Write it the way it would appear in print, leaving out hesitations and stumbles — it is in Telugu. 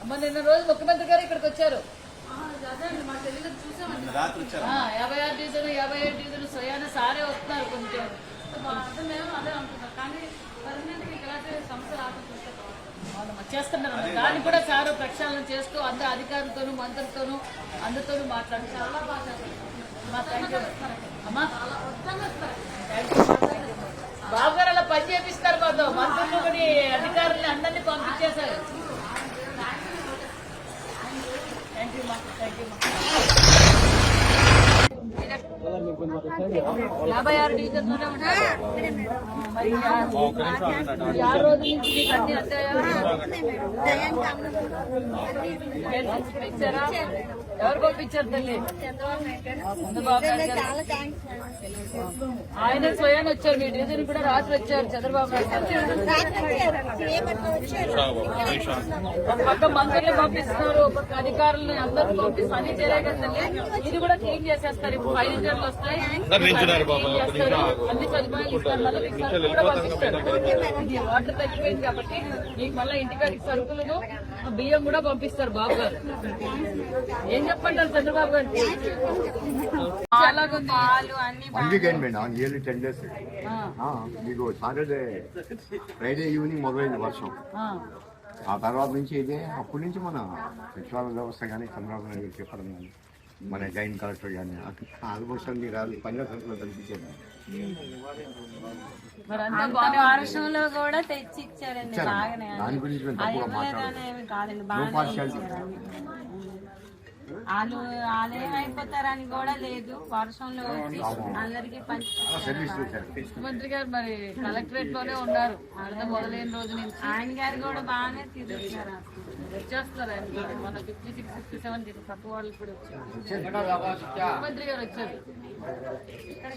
అమ్మ నిన్న రోజు ముఖ్యమంత్రి గారు ఇక్కడికి వచ్చారు. 56 డివిజన్ 57 డివిజన్ స్వయాన సారే వస్తున్నారు. కొంచెం మేము అదే అనుకుంటాం, కానీ ఇలాంటి సమస్య రాకుండా చేస్తున్నారు. దాన్ని కూడా సారు ప్రక్షాళన చేస్తూ అందరు అధికారులతోనూ మంత్రులతోనూ అందరితోనూ మాట్లాడి చాలా బాగా అమ్మా బాబు గారు అలా పని చేపిస్తారు. మాతో మంత్రులు కూడా అధికారులని అందరినీ పంపించేశారు. థ్యాంక్ యూ మా, థ్యాంక్ యూ మా. 56 డివిజన్లోనే ఉంటారు. మరి 6 రోజుల నుంచి మీకు అన్ని పంపించారా? ఎవరు పంపించారు తల్లి? చంద్రబాబు నాయుడు ఆయన స్వయాన్ని వచ్చారు. మీ డివిజన్ కూడా రాత్రి వచ్చారు చంద్రబాబు నాయుడు. ఒక పక్క మంత్రులు పంపిస్తున్నారు, ఒక పక్క అధికారులను అందరూ పంపిస్తారు. అన్ని చేయలే కదా తల్లి. ఇది కూడా క్లీన్ చేసేస్తారు. ఇప్పుడు 5 ఇంజన్లు వస్తాయి, అన్ని సదుపాయాలు ఇస్తారు, మళ్ళీ కూడా పంపిస్తారు. ఇది వాటర్ తగ్గిపోయింది కాబట్టి మీకు మళ్ళీ ఇంటికాడికి సరుకులను బియ్యం కూడా పంపిస్తారు బాబు గారు. ఏం చెప్పంటారు చంద్రబాబు గారు? మీకు సాటర్డే ఫ్రైడే ఈవినింగ్ మొదలైంది వర్షం. ఆ తర్వాత నుంచి ఇదే అప్పటి నుంచి మన సచివాలయ వ్యవస్థ కానీ చంద్రబాబు నాయుడు గారు చెప్పడం కానీ మన జాయింట్ కలెక్టర్ కానీ ఆల్మోస్ట్ అన్ని రాదు పంజాబ్ కనిపించేది. వర్షంలో కూడా తెచ్చి ఇచ్చారండి. దాని గురించి మేము తప్పుగా మాట్లాడాలి. వాళ్ళు ఏమైపోతారని కూడా లేదు. వర్షంలో వచ్చి అందరికి ముఖ్యమంత్రి గారు మరి కలెక్టరేట్ లోనే ఉన్నారు మొదలైన రోజు నుంచి. ఆయన గారు కూడా బాగానే తిరుగుతారు, వచ్చేస్తారు. ఆయన మన 56, 57 తక్కువ వాళ్ళు కూడా వచ్చారు. ముఖ్యమంత్రి గారు వచ్చారు.